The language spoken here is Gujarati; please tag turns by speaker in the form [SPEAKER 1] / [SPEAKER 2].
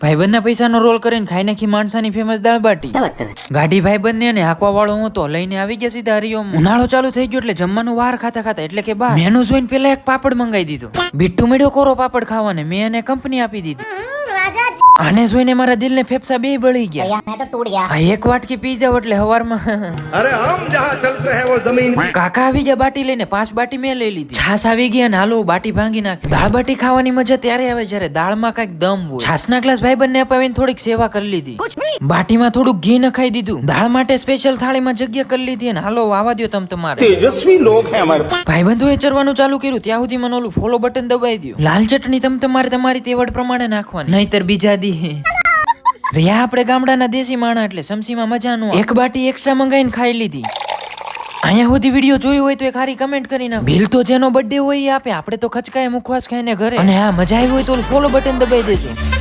[SPEAKER 1] ભાઈબંધ ના પૈસા નો રોલ કરીને ખાઈ નાખી માણસાની ફેમસ દાળ બાટી. ગાડી ભાઈબંધ ને અને હાંકવા વાળો હું તો લઈને આવી ગયા સીધા હરિઓમ. ઉનાળો ચાલુ થઈ ગયો એટલે જમવાનું વાર ખાતા ખાતા એટલે કે બા મેનુ જોઈને પેલા એક પાપડ મંગાવી દીધો. બીટુ મેળ્યો કોરો પાપડ ખાવાને મેં એને કંપની આપી દીધી. આને જોઈને મારા દિલ ને ફેફસા બે બળી ગયા. એક વાટકી પી જાવ એટલે હવારમાં
[SPEAKER 2] अरे हम जहाँ चलते हैं वो जमीन
[SPEAKER 1] કાકા આવી ગયા બાટી લઈને 5 બાટી મેં લઈ લીધી. છાસ આવી ગયા ને હાલો બાટી ભાંગી નાખી. દાળ બાટી ખાવાની મજા ત્યારે આવે જ્યારે દાળમાં કઈક દમ હોય. છાસના ગ્લાસ ભાઈબંધને અપાવીને થોડીક સેવા કરી લીધી. બાટીમાં થોડુંક ઘી નખાઈ દીધું. દાળ માટે સ્પેશિયલ થાળીમાં જગ્યા કરી લીધી અને હાલો આવા દો તમ તમારે.
[SPEAKER 3] तेजस्वी लोग हैं हमारे
[SPEAKER 1] ભાઈબંધોએ ચરવાનું ચાલુ કર્યું ત્યાં સુધી મને ઓલું ફોલો બટન દબાઈ દો. લાલ ચટણી તમ તમારે તમારી તેવડ પ્રમાણે નાખવાની નહીતર બીજા દી રહ્યા આપણે ગામડાના દેશી માણા એટલે સમસીમાં મજા નો. એક બાટી એક્સ્ટ્રા મંગાઈને ખાઈ લીધી. અહીંયા સુધી વિડીયો જોયો હોય તો એક સારી કમેન્ટ કરી નાખો. બિલ તો જેનો બર્થડે હોય એ આપે, આપણે તો ખચકાય મુખવાસ ખાઈને ઘરે. અને હા મજા આવી હોય તો ફોલો બટન દબાઈ દેજો.